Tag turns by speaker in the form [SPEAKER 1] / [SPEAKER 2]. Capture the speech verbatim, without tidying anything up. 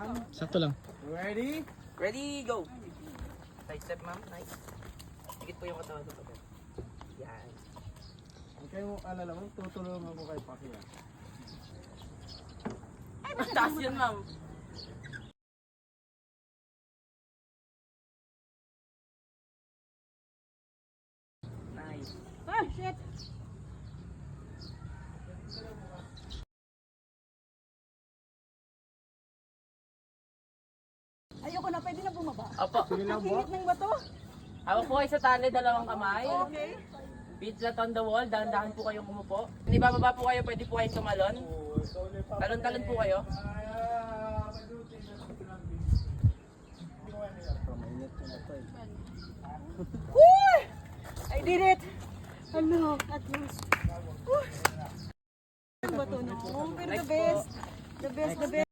[SPEAKER 1] Sakto lang.
[SPEAKER 2] Ready?
[SPEAKER 3] Ready, go! Side step, ma'am. Nice. Higit po yung katawan sa pagkat. Yan.
[SPEAKER 2] Huwag kayong alala mo, tutulungan ko kay Paki.
[SPEAKER 3] Ay, mas taas yun, ma'am. Nice.
[SPEAKER 4] Ah, shit! Ayoko na, pwede na bumaba.
[SPEAKER 3] Opo.
[SPEAKER 2] Sige lang
[SPEAKER 4] Ang
[SPEAKER 2] po.
[SPEAKER 4] init ng bato.
[SPEAKER 3] Hawak po kayo sa tali, dalawang kamay.
[SPEAKER 4] Okay.
[SPEAKER 3] Feet flat on the wall, dahan-dahan po kayong umupo. Hindi bababa po kayo, pwede po kayong tumalon. Talon-talon po kayo.
[SPEAKER 4] Woo! I did it! Ano, at least. Woo! Ang bato no? Pero the best. The best, the best.